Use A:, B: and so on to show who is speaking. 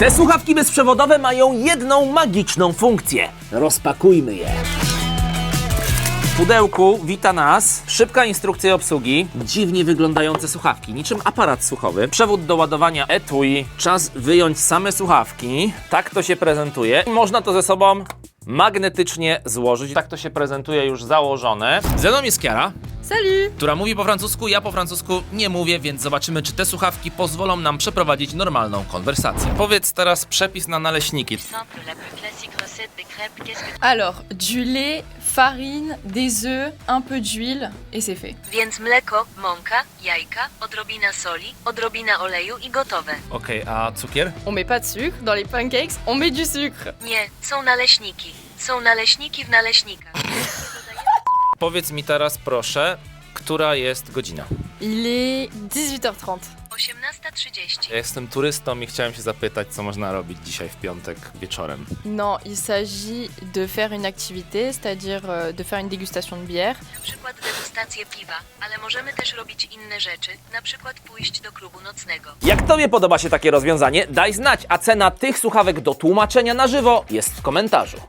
A: Te słuchawki bezprzewodowe mają jedną magiczną funkcję. Rozpakujmy je. W pudełku wita nas szybka instrukcja obsługi, dziwnie wyglądające słuchawki, niczym aparat słuchowy, przewód do ładowania etui, czas wyjąć same słuchawki, tak to się prezentuje. Można to ze sobą magnetycznie złożyć, tak to się prezentuje już założone. Ze mną jest Kiara,
B: Salut!
A: która mówi po francusku, ja po francusku nie mówię, więc zobaczymy, czy te słuchawki pozwolą nam przeprowadzić normalną konwersację. Powiedz teraz przepis na naleśniki.
C: Simple, la plus classique recette des crêpes, qu'est-ce que...
B: Alors, du lait, farine, des œufs, un peu d'huile et c'est fait.
C: Więc mleko, mąka, jajka, odrobina soli, odrobina oleju i gotowe.
A: Okej, a cukier?
B: On met pas de sucre. Dans les pancakes, on met du sucre.
C: Nie, są naleśniki. Są naleśniki w naleśnikach.
A: Powiedz mi teraz proszę, która jest godzina?
B: Il est 18h30.
C: 18:30.
A: Ja jestem turystą i chciałem się zapytać, co można robić dzisiaj w piątek wieczorem.
B: Non, il s'agit de faire une activité, c'est-à-dire de faire une dégustation de bière.
C: Na przykład degustację piwa, ale możemy też robić inne rzeczy, na przykład pójść do klubu nocnego.
A: Jak Tobie podoba się takie rozwiązanie, daj znać, a cena tych słuchawek do tłumaczenia na żywo jest w komentarzu.